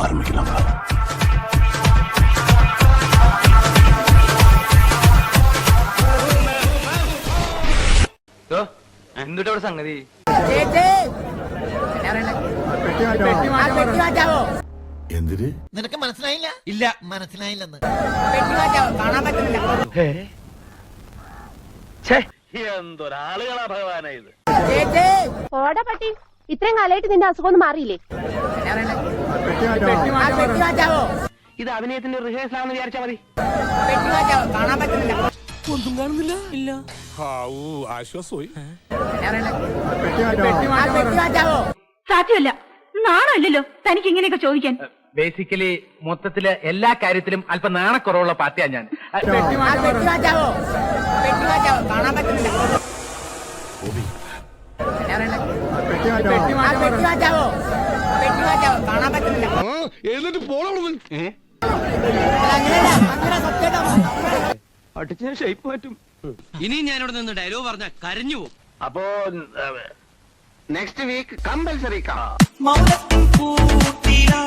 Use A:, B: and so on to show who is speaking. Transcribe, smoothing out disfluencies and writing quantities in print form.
A: ആരംഭിക്കണം.
B: എന്തുട്ടാ ഇവിടെ സംഗതി?
A: എന്തിന്?
C: നിനക്ക് മനസ്സിലായില്ല? ഇല്ല, മനസ്സിലായില്ലെന്ന്.
B: എന്തൊരാളുകളാ ഭഗവാനാ ഇത്.
D: ഓടാ പട്ടി, ഇത്രയും കാലമായിട്ട് നിന്റെ അസുഖം ഒന്നും മാറിയില്ലേ?
B: ഇത് അഭിനയത്തിന്റെ റിഹേഴ്സൽ ആണെന്ന് വിചാരിച്ചാ മതി.
E: ഒന്നും കാണുന്നില്ല. ഇല്ല. ആശ്വാസമായി.
D: സാധ്യമല്ല, നാണല്ലോ തനിക്ക് ഇങ്ങനെയൊക്കെ ചോദിക്കാൻ.
B: ബേസിക്കലി മൊത്തത്തില് എല്ലാ കാര്യത്തിലും അല്പം നാണക്കുറവുള്ള പാർട്ടിയാണ് ഞാൻ.
E: എന്നിട്ട് പോളെ
B: അടിച്ച ഷേപ്പ് പറ്റും.
F: ഇനി ഞാനിവിടെ നിന്ന് ഡയലോഗ് പറഞ്ഞ കരഞ്ഞു പോകും.
B: അപ്പോ നെക്സ്റ്റ് വീക്ക് കമ്പൽസറി
G: മൗനത്തിൻ കൂട്ടിലാ